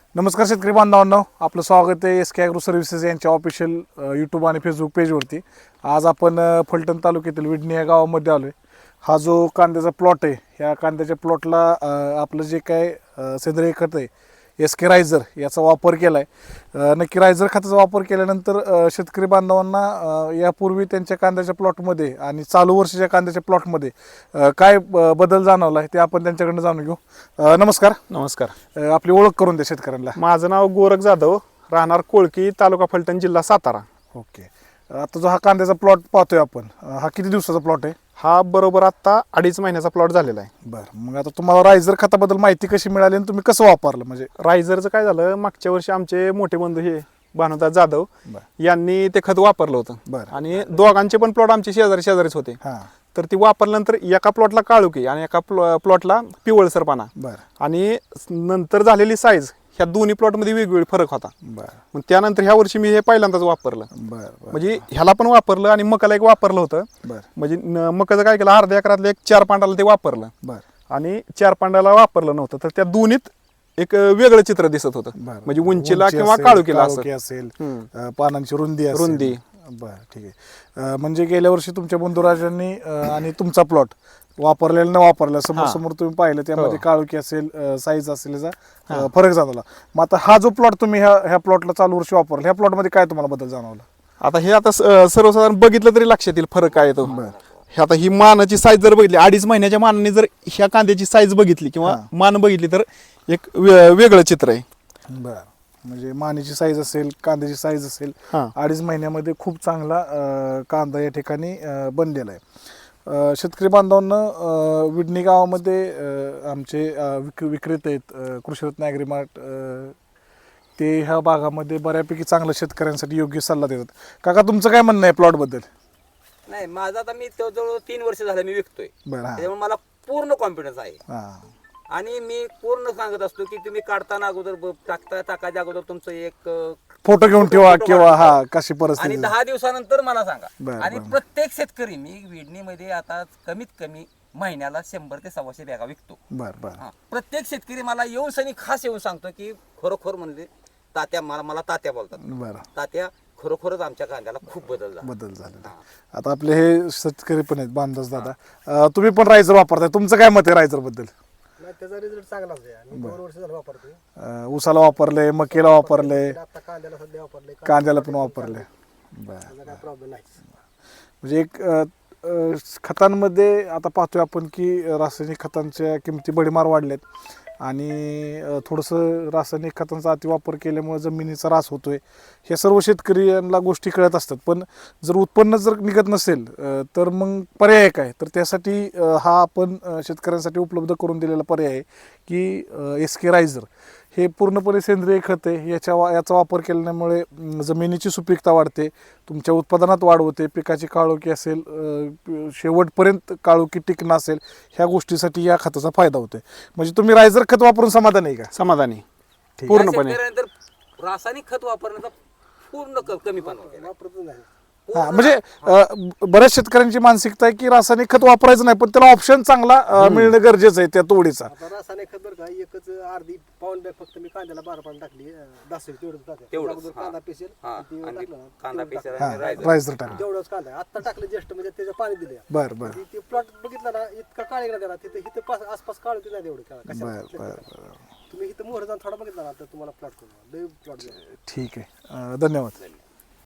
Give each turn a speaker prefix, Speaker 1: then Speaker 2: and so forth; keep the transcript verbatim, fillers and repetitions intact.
Speaker 1: नमस्कार शेतकरी बांधवांनो, आपलं स्वागत आहे एस के ॲग्रो सर्व्हिसेस यांच्या ऑफिशियल यूट्यूब आणि फेसबुक पेजवरती. आज आपण अ, फलटण तालुक्यातील विडणी या गावामध्ये आलो आहे. हा जो कांद्याचा प्लॉट आहे, ह्या कांद्याच्या प्लॉटला आपलं जे काय अ, सेंद्रिय खत आहे एस के रायझर याचा वापर केला आहे. नक्की रायझर खताचा वापर केल्यानंतर अ, शेतकरी बांधवांना अ, यापूर्वी त्यांच्या कांद्याच्या प्लॉटमध्ये आणि चालू वर्षाच्या कांद्याच्या प्लॉटमध्ये अ, काय ब- बदल जाणवला आहे ते आपण त्यांच्याकडनं जाणून घेऊ. अ, नमस्कार.
Speaker 2: नमस्कार.
Speaker 1: अ, आपली ओळख करून द्या शेतकऱ्यांना.
Speaker 2: माझं नाव गोरख जाधव, राहणार कोळकी, तालुका फलटण, जिल्हा सातारा.
Speaker 1: ओके. आता जो हा कांद्याचा प्लॉट पाहतोय आपण, अ, हा किती दिवसाचा प्लॉट आहे?
Speaker 2: हा बरोबर आता अडीच महिन्याचा प्लॉट झालेला आहे.
Speaker 1: बरं, मग आता तुम्हाला रायझर खताबद्दल माहिती कशी मिळाली आणि तुम्ही कसं वापरलं? म्हणजे
Speaker 2: रायझरचं काय झालं, मागच्या वर्षी आमचे मोठे बंधू हे भानुदास जाधव
Speaker 1: बरं
Speaker 2: यांनी ते खत वापरलं होतं
Speaker 1: बरं
Speaker 2: आणि दोघांचे पण प्लॉट आमचे शेजारी शेजारीच होते.
Speaker 1: हां
Speaker 2: तर ती वापरल्यानंतर एका प्लॉटला काळुकी आणि एका प्लॉ प्लॉटला पिवळसरपणा
Speaker 1: बरं
Speaker 2: आणि नंतर झालेली साईज ह्या दोन्ही प्लॉटमध्ये वेगवेगळी फरक होता.
Speaker 1: बरं
Speaker 2: मग त्यानंतर ह्या वर्षी मी हे पहिल्यांदाच वापरलं.
Speaker 1: बरं बरं
Speaker 2: म्हणजे ह्याला पण वापरलं आणि मकाला एक वापरलं होतं.
Speaker 1: बरं
Speaker 2: म्हणजे न- मकाचं काय केलं, अर्ध्या एकरातलं एक चार पांडाला ते वापरलं
Speaker 1: बरं
Speaker 2: आणि चार पांडाला वापरलं नव्हतं. तर त्या दोन्हीत एक वेगळं चित्र दिसत होतं.
Speaker 1: बरं.
Speaker 2: म्हणजे उंचीला
Speaker 1: उंची
Speaker 2: किंवा
Speaker 1: असेल,
Speaker 2: काळुकीला असं
Speaker 1: काळोखी असेल,
Speaker 2: हम्म.
Speaker 1: अ, पानांची रुंदी असेल.
Speaker 2: रुंदी.
Speaker 1: बरं, ठीक आहे. अ, म्हणजे गेल्या वर्षी तुमच्या बंधुराजांनी अ, आणि तुमचा प्लॉट वापरलेला न वापरला समोर
Speaker 2: हां.
Speaker 1: समोर तुम्ही पाहिलं, त्यामध्ये
Speaker 2: हो.
Speaker 1: काळोखी असेल, साईज असेल, याचा अ, फरक जाणवला. मग आता हा जो प्लॉट तुम्ही ह्या ह्या प्लॉटला चालू वर्षी वापरला, ह्या प्लॉटमध्ये काय तुम्हाला बदल जाणवला?
Speaker 2: आता हे आता स- अं, सर्वसाधारण बघितलं तरी लक्षात येईल फरक काय येतो.
Speaker 1: बरं.
Speaker 2: हे आता ही मानाची साईज जर बघितली, अडीच महिन्याच्या मानाने जर ह्या कांद्याची साईज बघितली किंवा
Speaker 1: हां.
Speaker 2: मान बघितली तर एक वे- वेगळं चित्र आहे.
Speaker 1: बरं, म्हणजे मानेची साईज असेल, कांद्याची साईज असेल,
Speaker 2: हां.
Speaker 1: अडीच महिन्यामध्ये खूप चांगला अ, कांदा या ठिकाणी अ, बनलेला आहे. अ, शेतकरी बांधवांना अ, विडणी गावामध्ये अ, आमचे अ, विक विक्रेते आहेत, अ, कृषीरत्न ॲग्रीमार्ट, अ, ते ह्या भागामध्ये बऱ्यापैकी चांगलं शेतकऱ्यांसाठी योग्य सल्ला देतात. काका, तुमचं काय म्हणणं आहे प्लॉटबद्दल?
Speaker 3: नाही, माझा आता मी तो जवळ तीन वर्ष झालं मी विकतोय,
Speaker 1: बरं. हां
Speaker 3: त्याच्यामुळे मला पूर्ण कॉन्फिडन्स आहे.
Speaker 1: हां
Speaker 3: आणि मी पूर्ण सांगत असतो की तुम्ही काढताना अगोदर ब- टाकता टाकायच्या अगोदर तुमचं एक अ,
Speaker 1: फोटो घेऊन
Speaker 3: फोटो-
Speaker 1: ठेवा
Speaker 3: फोटो
Speaker 1: किंवा
Speaker 3: काढून
Speaker 1: हा
Speaker 3: ठेवा.
Speaker 1: कशी
Speaker 3: आणि
Speaker 1: परिस्थिती.
Speaker 3: दहा दिवसानंतर मला सांगा.
Speaker 1: बरं,
Speaker 3: आणि
Speaker 1: बरं.
Speaker 3: प्रत्येक शेतकरी, मी विडणीमध्ये आता कमीत कमी महिन्याला शंभर ते सव्वाशे बॅगा विकतो.
Speaker 1: बरं बरं
Speaker 3: हा. प्रत्येक शेतकरी मला येऊन सनी खास येऊन सांगतो की खरोखर म्हणजे तात्या, मला मला तात्या बोलतात,
Speaker 1: बरं
Speaker 3: तात्या खरोखरच आमच्या कांद्याला खूप बदल झाला.
Speaker 1: बदल झालेला आहे. आता आपले हे शेतकरी पण आहेत, बांधस दादा. अ, तुम्ही पण रायझर वापरताय, तुमचं काय मत आहे रायझर बद्दल?
Speaker 4: नाही, त्याचा रिझल्ट चांगलाच आहे. आणि दोन वर्ष झालं वापरतोय.
Speaker 1: अ, ऊसाला वापरले, मकेला वापरले,
Speaker 4: आता कांद्याला सध्या वापरले.
Speaker 1: कांद्याला पण वापरले. बरं,
Speaker 4: त्याचा काय प्रॉब्लेम नाही.
Speaker 1: म्हणजे एक अ, अ, खतांमध्ये आता पाहतोय आपण की रासायनिक खतांच्या किमती भडीमार वाढल्यात आणि अ, थोडंसं रासायनिक खतांचा अतिवापर केल्यामुळे जमिनीचा ऱ्हास होतोय. ह्या सर्व शेतकऱ्यांना गोष्टी कळत असतात, पण जर उत्पन्न जर निघत नसेल अ, तर मग पर्याय काय? तर त्यासाठी अ, हा आपण अ, शेतकऱ्यांसाठी उपलब्ध करून दिलेला पर्याय आहे की एस के रायझर हे पूर्णपणे सेंद्रिय खत आहे. याच्या वा याचा वापर केल्यामुळे अं, जमिनीची सुपीकता वाढते, तुमच्या उत्पादनात वाढ होते, पिकाची काळोखी असेल, अं, प- शेवटपर्यंत काळोखी टिकणं असेल, ह्या गोष्टीसाठी या खताचा फायदा होतो. म्हणजे तुम्ही रायझर खत वापरून समाधान आहे का?
Speaker 2: समाधानी
Speaker 1: ठीक.
Speaker 2: पूर्णपणे.
Speaker 3: या शेतकऱ्याने तर रासायनिक खत वापरण्याचा पूर्ण क- कमीपणा केला.
Speaker 4: वापरतच नाही.
Speaker 1: हा, म्हणजे अं, बऱ्याच शेतकऱ्यांची मानसिकता आहे की रासायनिक खत वापरायचं नाही, पण त्याला ऑप्शन चांगला अं, मिळणं गरजेचं आहे त्या तोडीचा.
Speaker 4: आता रासायनिक खत बरं का, एकच अर्धी पाऊन बॅग फक्त मी कांद्याला बारा पाणी टाकली, दासेल तेवढंच टाकलं.
Speaker 3: तेवढंच,
Speaker 4: अगोदर
Speaker 3: हा.
Speaker 4: कांदा पेसेल
Speaker 3: हा,
Speaker 4: आणि ते
Speaker 3: आणि
Speaker 4: टाकलं ना,
Speaker 3: कांदा
Speaker 4: तेवढं
Speaker 3: पेसेल
Speaker 4: टाकलं.
Speaker 1: हा
Speaker 3: आणि रायझर.
Speaker 1: रायझर टाक.
Speaker 4: तेवढंच कांदा आता टाकलं जस्ट, म्हणजे त्याचं पाणी दिलं.
Speaker 1: बरं बरं
Speaker 4: ती- ती प्लॉट बघितला ना, इतका काळे गेला त्याला, तिथं इथं पास- आसपास काळ नाही तेवढं का-
Speaker 1: बरं
Speaker 4: कशाला.
Speaker 1: बरं बरं
Speaker 4: तुम्ही इथं मोहर जाऊन थोडा बघितला ना, तर तुम्हाला प्लॉट करू प्लॉट
Speaker 1: ठीक आहे. अं, धन्यवाद.